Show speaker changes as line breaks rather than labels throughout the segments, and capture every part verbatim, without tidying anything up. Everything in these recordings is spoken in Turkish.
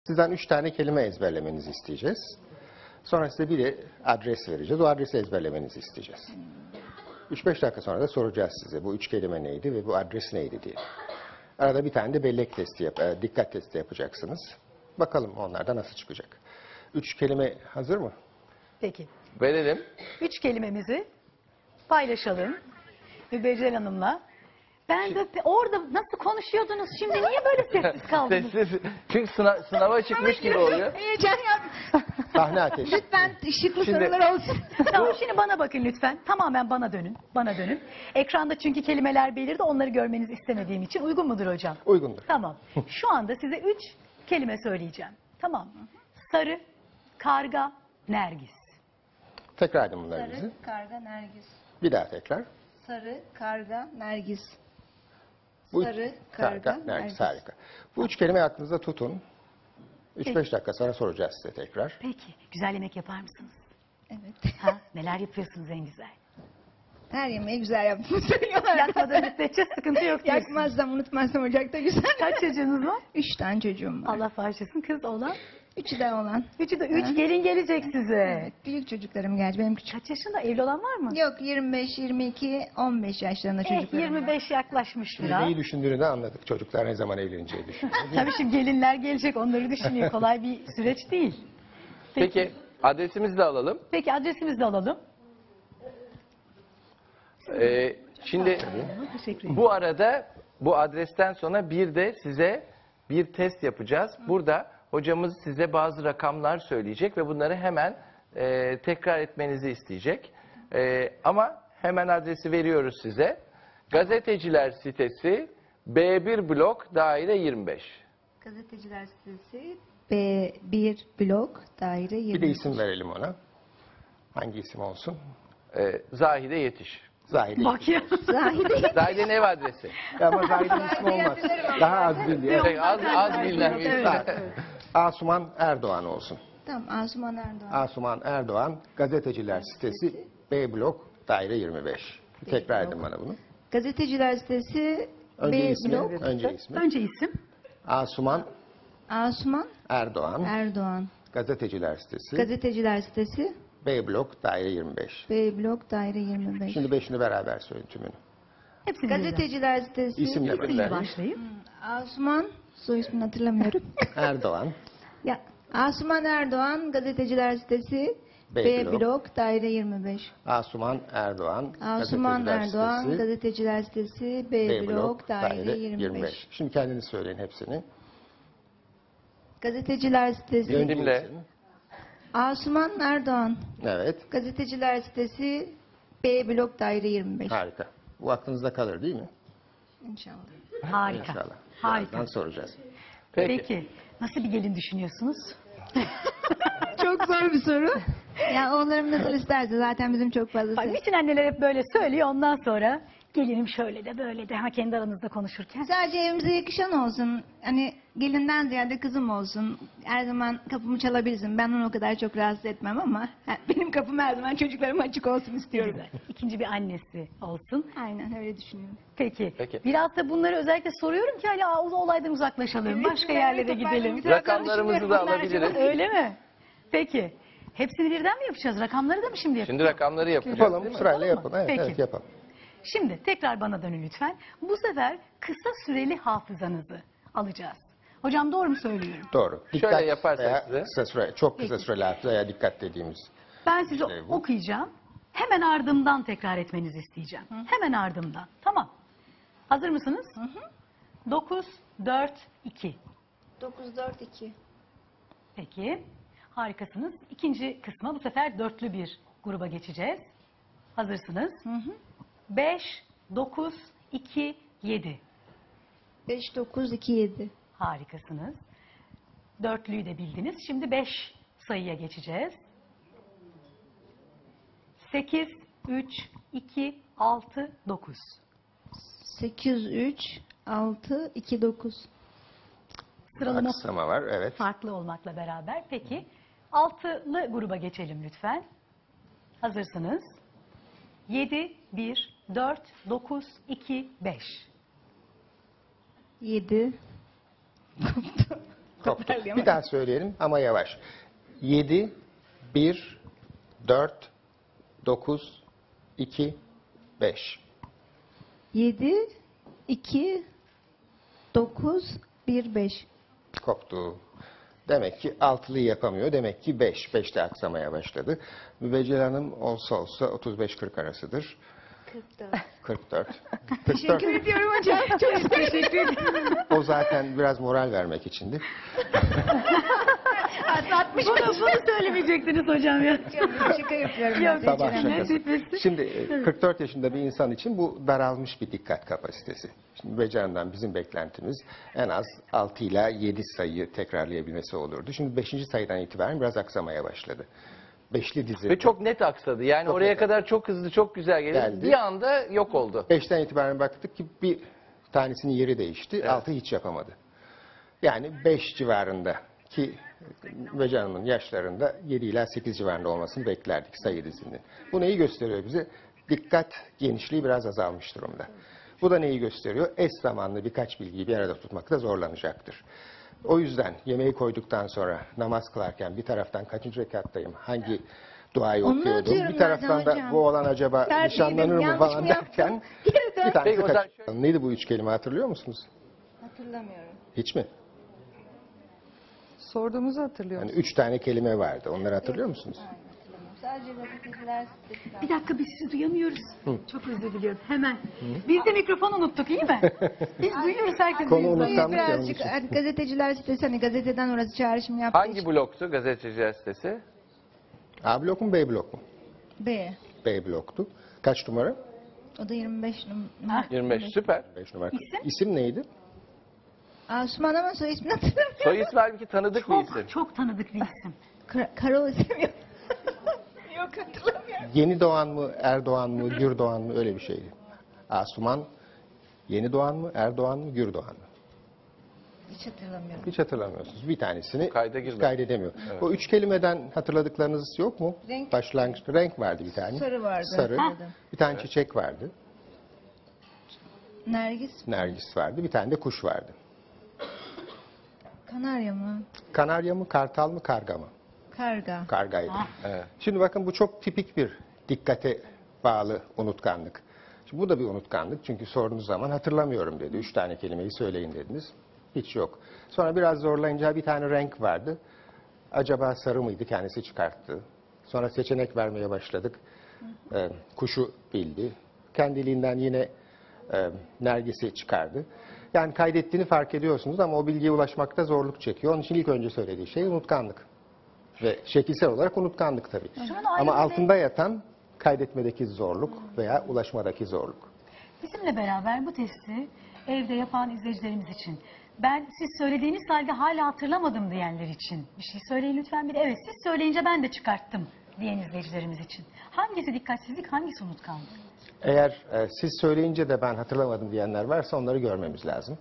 Sizden üç tane kelime ezberlemenizi isteyeceğiz. Sonra size bir de adres vereceğiz. O adresi ezberlemenizi isteyeceğiz. üç beş dakika sonra da soracağız size bu üç kelime neydi ve bu adres neydi diye. Arada bir tane de bellek testi, yap e, dikkat testi yapacaksınız. Bakalım onlardan nasıl çıkacak. Üç kelime hazır mı?
Peki.
Verelim.
Üç kelimemizi paylaşalım Mübeccel Hanım'la. Ben de orada nasıl konuşuyordunuz? Şimdi niye böyle sessiz kaldınız?
Sessiz. Çünkü sınav, sınava çıkmış gibi oluyor.
Heyecan yaptım.
Sahne ateşi.
Lütfen ışıklı
Şimdi-
sorular olsun.
Tamam, şimdi bana bakın lütfen. Tamamen bana dönün. Bana dönün. Ekranda çünkü kelimeler belirdi. Onları görmenizi istemediğim için. Uygun mudur hocam?
Uygundur.
Tamam. Şu anda size üç kelime söyleyeceğim. Tamam mı? Sarı, karga, nergis.
Tekrar edin bunları
Sarı,
bize.
karga, nergis.
Bir daha tekrar.
Sarı, karga, nergis.
Bu
Sarı, karga,
nergis.
nergis.
Harika. Bu üç kelimeyi aklınızda tutun. üç beş
Peki.
dakika sonra soracağız size tekrar.
Peki. Güzel yemek yapar mısınız?
Evet.
Ha? Neler yapıyorsunuz en güzel?
Her yemeği güzel yaptığımı söylüyorlar.
Yakmadan müddetçe sıkıntı yok diyorsun.
Yakmazsam, unutmazsam ocakta güzel.
Kaç çocuğunuz var?
Üç tane çocuğum var.
Allah bağışlasın, kız olan.
Üçü de olan.
Üçü de üç gelin gelecek size.
Evet, büyük çocuklarım gerçi benim küçük.
Kaç yaşında, evli olan var mı?
Yok yirmi beş, yirmi iki, on beş yaşlarında
Eh,
çocuklarım
yirmi
var.
beş yaklaşmış biraz.
Neyi düşündüğünü de anladık. Çocuklar ne zaman evleneceği düşünüyor.
Tabii şimdi gelinler gelecek, onları düşünüyor. Kolay bir süreç değil.
Peki adresimizi de alalım.
Peki adresimizi de alalım.
Ee, şimdi
Teşekkür ederim.
bu arada bu adresten sonra bir de size bir test yapacağız. Burada hocamız size bazı rakamlar söyleyecek ve bunları hemen e, tekrar etmenizi isteyecek. E, ama hemen adresi veriyoruz size. Gazeteciler sitesi B bir blok daire yirmi beş.
Gazeteciler sitesi B bir blok daire yirmi beş.
Bir de isim verelim ona. Hangi isim olsun?
E, Zahide Yetiş.
Zahide.
Bak ya.
Zahide.
Zahide'nin ev adresi.
Ama Zahide'nin ismi olmaz. Daha az bildi.
Şey, az, az bilinen bir isim.
Asuman Erdoğan olsun.
Tamam, Asuman Erdoğan.
Asuman Erdoğan, gazeteciler sitesi B blok daire yirmi beş. Tekrar edin bana bunu.
Gazeteciler sitesi
Önce
B
ismi,
blok
önce ismi.
Önce isim.
Asuman
Asuman
Erdoğan,
Erdoğan.
gazeteciler sitesi
Gazeteciler sitesi
B blok daire yirmi beş.
B blok daire yirmi beş.
Şimdi beşini beraber söyleyin tümünü.
Hepsini birden.
Gazeteciler sitesi
İsimle
İsimle
başlayın.
başlayıp.
Asuman, soy ismini hatırlamıyorum.
Erdoğan,
Ya Asuman Erdoğan, gazeteciler sitesi
B
B,
blok.
blok daire yirmi beş.
Asuman Erdoğan,
Asuman
gazeteciler
Erdoğan,
sitesi
gazeteciler sitesi B,
B
blok daire yirmi beş.
Şimdi kendiniz söyleyin hepsini.
Gazeteciler sitesi
Önce
Dinle.
isim.
Asuman Erdoğan,
Evet,
gazeteciler sitesi B blok daire yirmi beş.
harika. Bu aklınızda kalır değil mi?
İnşallah.
Harika.
İnşallah.
Harika.
Birazdan soracağız.
Peki.
Peki. Nasıl bir gelin düşünüyorsunuz?
Çok zor bir soru. Ya oğullarım nasıl isterse zaten bizim çok fazla
Bak, bütün anneler hep böyle söylüyor, ondan sonra gelinim şöyle de böyle de, ha kendi aranızda konuşurken.
Sadece evimize yakışan olsun. Hani gelinden ziyade kızım olsun. Her zaman kapımı çalabilsin. Ben onu o kadar çok rahatsız etmem ama ha, benim kapım her zaman çocuklarıma açık olsun istiyorum.
Güzel. İkinci bir annesi olsun.
Aynen öyle düşünüyorum.
Peki.
Peki.
Biraz da bunları özellikle soruyorum ki hani o olaydan uzaklaşalım. Başka yerlere gidelim.
Rakamlarımızı da alabiliriz.
Öyle mi? Peki. Hepsini birden mi yapacağız? Rakamları da mı şimdi yapacağız?
Şimdi rakamları yapacağız.
Yapalım,
değil mi?
sırayla
Yapalım mı?
yapalım. Evet,
Peki.
evet yapalım.
Şimdi tekrar bana dönün lütfen. Bu sefer kısa süreli hafızanızı alacağız. Hocam doğru mu söylüyorum?
Doğru.
Şöyle yaparsak
veya
size.
Kısa süre, çok kısa
Peki.
süreli hafıza veya dikkat dediğimiz.
Ben size
İşte bu.
okuyacağım. Hemen ardımdan tekrar etmenizi isteyeceğim. Hemen ardımdan. Tamam. Hazır mısınız? dokuz, dört, iki.
dokuz dört iki.
Peki. Harikasınız. İkinci kısma bu sefer dörtlü bir gruba geçeceğiz. Hazırsınız. beş, dokuz, iki, yedi.
beş dokuz iki yedi.
Harikasınız. Dörtlüyü de bildiniz. Şimdi beş sayıya geçeceğiz. sekiz, üç, iki, altı, dokuz.
sekiz üç altı iki dokuz.
Sıralama
Aksama var, evet.
farklı olmakla beraber. Peki. Altılı gruba geçelim lütfen. Hazırsınız. yedi, bir, dört, dokuz, iki, beş.
yedi.
Koptu.
Toparlayamadım.
Bir daha söyleyelim ama yavaş. yedi, bir, dört, dokuz, iki, beş.
yedi, iki, dokuz, bir, beş.
Koptu. Demek ki altılıyı yapamıyor. Demek ki beş. beşte aksamaya başladı. Mübeccel Hanım olsa olsa otuz beş kırk arasıdır.
kırk dört.
kırk dört.
Teşekkür ediyorum hocam. Çok teşekkür ederim.
O zaten biraz moral vermek içindi.
altmış bunu, bunu söylemeyecektiniz hocam ya.
Şaka yapıyorum.
Yok,
ben.
Sabah
Geçen
şakası.
nefesi.
Şimdi e, kırk dört yaşında bir insan için bu daralmış bir dikkat kapasitesi. Şimdi Mübeccel Hanım'dan bizim beklentimiz en az altı ila yedi sayıyı tekrarlayabilmesi olurdu. Şimdi beşinci sayıdan itibaren biraz aksamaya başladı. Beşli dizi.
Ve çok net aksadı. Yani
Çok
oraya
net.
kadar çok hızlı, çok güzel geldi.
Geldi.
Bir anda yok oldu.
Beşten itibaren baktık ki bir tanesinin yeri değişti.
Evet.
Altı hiç yapamadı. Yani beş civarında ki Mübeccel Hanım'ın yaşlarında yedi ila sekiz civarında olmasını beklerdik sayı dizinin. Bu neyi gösteriyor bize? Dikkat genişliği biraz azalmış durumda. Bu da neyi gösteriyor? Eş zamanlı birkaç bilgiyi bir arada tutmakta zorlanacaktır. O yüzden yemeği koyduktan sonra namaz kılarken bir taraftan kaçıncı rekattayım, hangi duayı
Onu
okuyordum,
atıyorum
bir taraftan da
hocam.
bu olan acaba
Terbiye
nişanlanır mı
yanlış
falan
mı yaptım?
derken
Geri dön.
bir tanesi
Peki, o zaman
kaçırdı. Neydi bu üç kelime hatırlıyor musunuz?
Hatırlamıyorum.
Hiç mi?
Sorduğumuzu hatırlıyor
Yani
musun?
üç tane kelime vardı. Onları hatırlıyor musunuz?
Sadece gazeteciler sitesinden.
Bir dakika biz sizi duyamıyoruz. Çok özür diliyorum. Hemen. Biz de mikrofon unuttuk iyi mi? Biz duyuyoruz herkes.
Konu
duyuyor.
unutan-
Birazcık
yanlış.
artık gazeteciler sitesi hani gazeteden orası çağrışım yaptığı
Hangi
için.
bloktu gazeteciler sitesi?
A blok mu B blok mu?
B.
B bloktu. Kaç numara?
O da yirmi beş numara.
yirmi beş. Süper.
beş numara.
İsim?
İsim neydi?
Asuman ama soy ismini hatırlamıyorum.
Soy ismi halbuki tanıdık bir isim.
Çok, çok tanıdık bir isim.
Kara, Karaoğlu istemiyorum. Yok hatırlamıyorum.
Yeni Doğan mı, Erdoğan mı, Gürdoğan mı öyle bir şeydi. Asuman Yeni Doğan mı, Erdoğan mı, Gürdoğan mı?
Hiç hatırlamıyorum.
Hiç hatırlamıyorsunuz. Bir tanesini
Kayda
hiç
girmedi.
kaydedemiyor. O üç kelimeden hatırladıklarınız yok mu?
Renk.
Başlangıçta renk vardı bir tane.
Sarı vardı.
Sarı.
Ha.
Bir tane çiçek vardı.
Nergis.
Nergis vardı. Bir tane de kuş vardı.
Kanarya mı?
Kanarya mı, kartal mı, karga mı?
Karga.
Kargaydı.
Evet.
Şimdi bakın bu çok tipik bir dikkate bağlı unutkanlık. Şimdi bu da bir unutkanlık çünkü sorduğunuz zaman hatırlamıyorum dedi. Üç tane kelimeyi söyleyin dediniz. Hiç yok. Sonra biraz zorlayınca bir tane renk vardı. Acaba sarı mıydı? Kendisi çıkarttı. Sonra seçenek vermeye başladık. Ee, kuşu bildi. Kendiliğinden yine e, nergisi çıkardı. Yani kaydettiğini fark ediyorsunuz ama o bilgiye ulaşmakta zorluk çekiyor. Onun için ilk önce söylediği şey unutkanlık. Ve şekilsel olarak unutkanlık tabii.
Şunu
Ama
ayrı
altında yatan kaydetmedeki zorluk veya ulaşmadaki zorluk.
Bizimle beraber bu testi evde yapan izleyicilerimiz için. Ben siz söylediğiniz halde hala hatırlamadım diyenler için. Bir şey söyleyin lütfen bir de evet siz söyleyince ben de çıkarttım diyen izleyicilerimiz için. Hangisi dikkatsizlik, hangisi unutkanlık?
Eğer e, siz söyleyince de ben hatırlamadım diyenler varsa onları görmemiz lazım.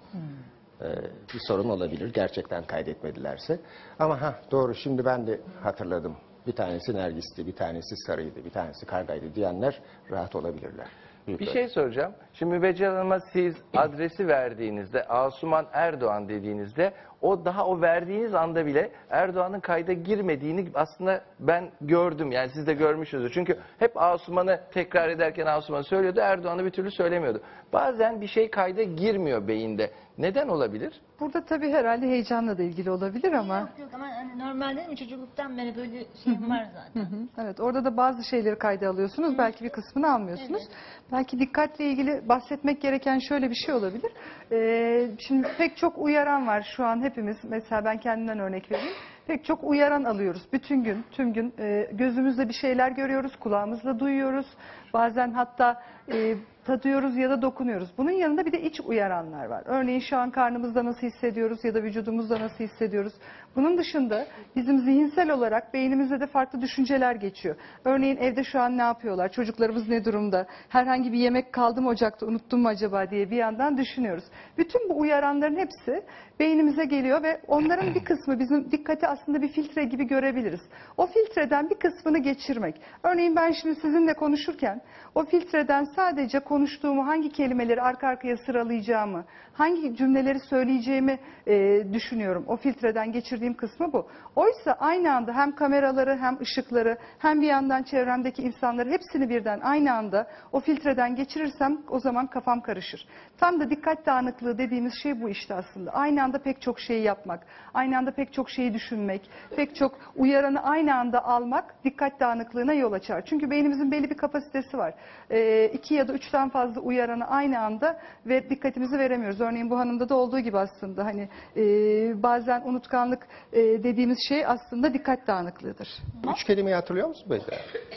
E, bir sorun olabilir gerçekten kaydetmedilerse. Ama ha doğru şimdi ben de hatırladım. Bir tanesi nergisti, bir tanesi sarıydı, bir tanesi kargaydı diyenler rahat olabilirler. Büyük
Bir
ölçüde.
şey soracağım. Şimdi Mübeccel Hanım'a siz adresi verdiğinizde, Asuman Erdoğan dediğinizde, o daha o verdiğiniz anda bile Erdoğan'ın kayda girmediğini aslında ben gördüm. Yani siz de görmüşsünüzdür. Çünkü hep Asuman'ı tekrar ederken Asuman'ı söylüyordu, Erdoğan'ı bir türlü söylemiyordu. Bazen bir şey kayda girmiyor beyinde. Neden olabilir?
Burada tabii herhalde heyecanla da ilgili olabilir ama.
Yok yok ama hani normal değil mi? Çocukluktan beri böyle şeyim var zaten.
Hı, evet, orada da bazı şeyleri kayda alıyorsunuz. Belki bir kısmını almıyorsunuz. Belki dikkatle ilgili bahsetmek gereken şöyle bir şey olabilir. Ee, şimdi pek çok uyaran var şu an hepimiz. Mesela ben kendimden örnek vereyim. Pek çok uyaran alıyoruz. Bütün gün, tüm gün e, gözümüzle bir şeyler görüyoruz, kulağımızla duyuyoruz. Bazen hatta e, tadıyoruz ya da dokunuyoruz. Bunun yanında bir de iç uyaranlar var. Örneğin şu an karnımızda nasıl hissediyoruz ya da vücudumuzda nasıl hissediyoruz. Bunun dışında bizim zihinsel olarak beynimizde de farklı düşünceler geçiyor. Örneğin evde şu an ne yapıyorlar, çocuklarımız ne durumda, herhangi bir yemek kaldı mı ocakta unuttum mu acaba diye bir yandan düşünüyoruz. Bütün bu uyaranların hepsi beynimize geliyor ve onların bir kısmı bizim dikkati aslında bir filtre gibi görebiliriz. O filtreden bir kısmını geçirmek. Örneğin ben şimdi sizinle konuşurken o filtreden sadece konuştuğumu, hangi kelimeleri arka arkaya sıralayacağımı, hangi cümleleri söyleyeceğimi e, düşünüyorum. O filtreden geçirdiğim kısmı bu. Oysa aynı anda hem kameraları hem ışıkları hem bir yandan çevremdeki insanları hepsini birden aynı anda o filtreden geçirirsem o zaman kafam karışır. Tam da dikkat dağınıklığı dediğimiz şey bu işte aslında. Aynı anda pek çok şeyi yapmak, aynı anda pek çok şeyi düşünmek, pek çok uyaranı aynı anda almak dikkat dağınıklığına yol açar. Çünkü beynimizin belli bir kapasitesi var. E, iki ya da üçten fazla uyaranı aynı anda ve dikkatimizi veremiyoruz. Örneğin bu hanımda da olduğu gibi aslında hani e, bazen unutkanlık e, dediğimiz şey aslında dikkat dağınıklığıdır.
Üç kelimeyi hatırlıyor musun Beyza?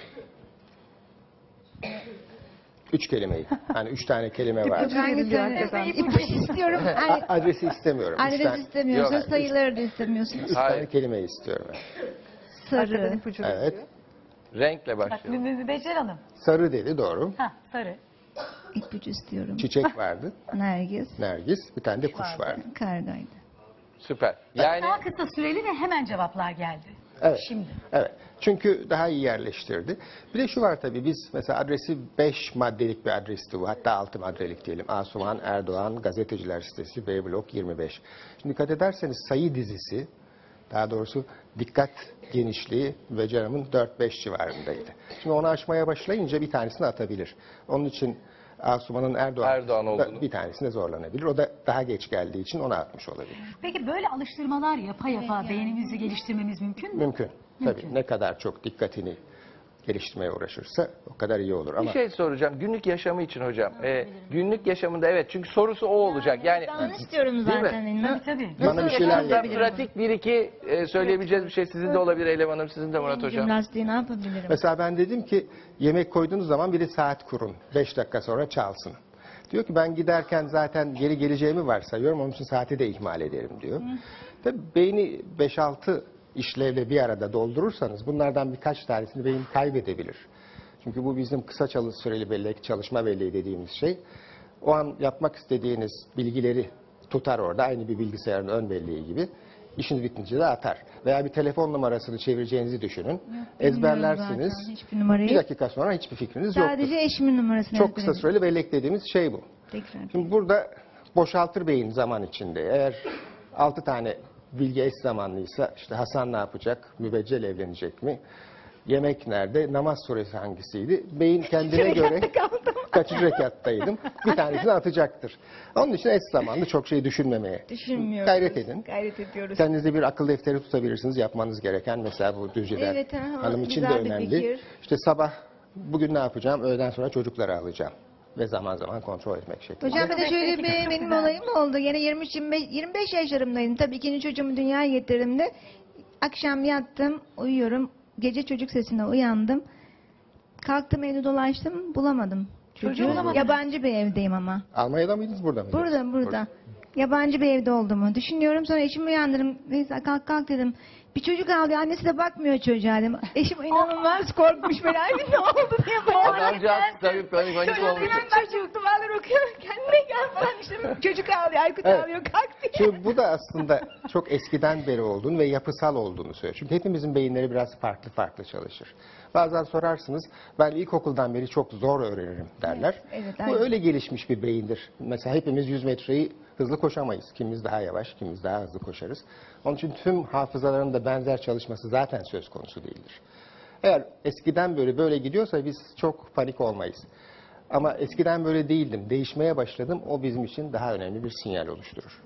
Üç kelimeyi. Hani üç tane kelime var.
İpucu veriliyor hakikaten.
İpucu istiyorum.
A-
Yani
Adresi istemiyorum. Üç
adres
tane,
istemiyorsunuz,
Yok.
sayıları da istemiyorsunuz.
üç tane
Hayır.
kelimeyi istiyorum. ben.
Arkadan
Sarı,
ipucu
Evet.
veriliyor.
Renkle
Bak
başlayalım.
Mü- Mübeccel Hanım.
Sarı dedi, doğru.
Ha, sarı.
ipucu istiyorum.
Çiçek vardı.
Nergis,
Nergis. Bir tane de kuş
Vardı.
vardı.
kargaydı.
Süper. Yani
Daha kısa süreli ve hemen cevaplar geldi.
Evet.
Şimdi.
Evet. Çünkü daha iyi yerleştirdi. Bir de şu var tabii, biz mesela adresi beş maddelik bir adresti bu. Hatta altı maddelik diyelim. Asuman Erdoğan Gazeteciler Sitesi B blok yirmi beş. Şimdi dikkat ederseniz sayı dizisi, daha doğrusu dikkat genişliği Becerem'in dört beş civarındaydı. Şimdi onu aşmaya başlayınca bir tanesini atabilir. Onun için Asuman'ın Erdoğan,
Erdoğan olduğunu.
bir tanesine zorlanabilir. O da daha geç geldiği için onu atmış olabilir.
Peki böyle alıştırmalar yapa yapa beynimizi geliştirmemiz mümkün mü?
Mümkün. Tabii ne kadar çok dikkatini geliştirmeye uğraşırsa o kadar iyi olur.
bir
Ama
şey soracağım. Günlük yaşamı için hocam. Ee, günlük yaşamında evet, çünkü sorusu o olacak. Yani
Ben onu istiyorum
mi?
zaten.
Tabii
Na-
tabii.
bana bir şeyler
yaşamda
yap.
pratik bir iki e, söyleyebileceğiz bir şey sizin de olabilir Eylem Hanım, sizin de Murat Hocam.
Jimnastiği ne yapabilirim?
Mesela ben dedim ki yemek koyduğunuz zaman bir de saat kurun. Beş dakika sonra çalsın. Diyor ki ben giderken zaten geri geleceğimi varsayıyorum. Onun için saati de ihmal ederim diyor. Tabii beyni beş altı işlevle bir arada doldurursanız bunlardan birkaç tanesini beyin kaybedebilir. Çünkü bu bizim kısa çalış süreli bellek, çalışma belleği dediğimiz şey. O an yapmak istediğiniz bilgileri tutar orada. Aynı bir bilgisayarın ön belleği gibi. İşiniz bitince de atar. Veya bir telefon numarasını çevireceğinizi düşünün. Ezberlersiniz.
Zaten hiçbir numarayı.
Bir dakika sonra hiçbir fikriniz yoktur.
Sadece eşimin numarasını
Çok kısa
ezberledim.
süreli bellek dediğimiz şey bu.
Tekrar.
Şimdi burada boşaltır beyin zaman içinde. Eğer altı tane bilgi eş zamanlıysa işte Hasan ne yapacak, Mübeccel evlenecek mi, yemek nerede, namaz suresi hangisiydi, beyin kendine göre kaçıncı rekattaydım bir tanesini atacaktır. Onun için eş zamanlı çok şey düşünmemeye
Düşünmüyoruz.
gayret edin.
Gayret ediyoruz.
Kendinize bir akıl defteri tutabilirsiniz, yapmanız gereken mesela bu Düzce'den
Evet, aha,
hanım için de
güzel bir
önemli.
fikir.
İşte sabah bugün ne yapacağım, öğleden sonra çocukları alacağım ve zaman zaman kontrol etmek şeklinde.
Hocam bir de şöyle bir benim olayım oldu. Yine yirmi üç yirmi beş yirmi beş yaşlarımdaydım. Tabii ikinci çocuğumu dünyaya getirdiğimde akşam yattım, uyuyorum. Gece çocuk sesine uyandım. Kalktım, evde dolaştım, bulamadım. Çocuğu
bulamadınız.
yabancı bir evdeyim ama.
Almanya'da mıydınız, burada mıydınız?
Burada, burada. Yabancı bir evde olduğumu düşünüyorum. Sonra eşimi uyandırdım. Neyse kalk kalk dedim. Bir çocuk ağlıyor. Annesi de bakmıyor çocuğa dedim. Eşim inanılmaz korkmuş. Böyle ay ne oldu diye bayağı.
Adamcağız tabii panik panik
Çocuk
olmuş.
uyan ben çocuk duvarlar okuyor. Kendine gel falan işte. Çocuk ağlıyor. Aykut
Evet.
ağlıyor. Kalk diye.
Şimdi bu da aslında çok eskiden beri olduğunu ve yapısal olduğunu söylüyor. Çünkü hepimizin beyinleri biraz farklı farklı çalışır. Bazen sorarsınız, ben ilkokuldan beri çok zor öğrenirim derler.
Evet, evet,
bu
aynen.
öyle gelişmiş bir beyindir. Mesela hepimiz yüz metreyi hızlı koşamayız. Kimimiz daha yavaş, kimimiz daha hızlı koşarız. Onun için tüm hafızaların da benzer çalışması zaten söz konusu değildir. Eğer eskiden böyle böyle gidiyorsa biz çok panik olmayız. Ama eskiden böyle değildim, değişmeye başladım. O bizim için daha önemli bir sinyal oluşturur.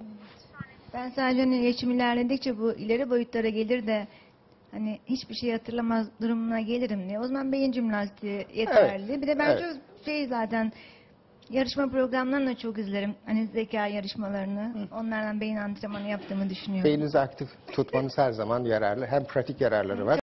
Ben sadece hani yaşım ilerledikçe bu ileri boyutlara gelir de hani hiçbir şey hatırlamaz durumuna gelirim diye. O zaman beyin jimnastiği yeterli. Bir de ben
Evet.
çok şey zaten yarışma programlarını da çok izlerim. Hani zeka yarışmalarını. Onlardan beyin antrenmanı yaptığımı düşünüyorum.
Beyninizi aktif tutmanız her zaman yararlı. Hem pratik yararları var.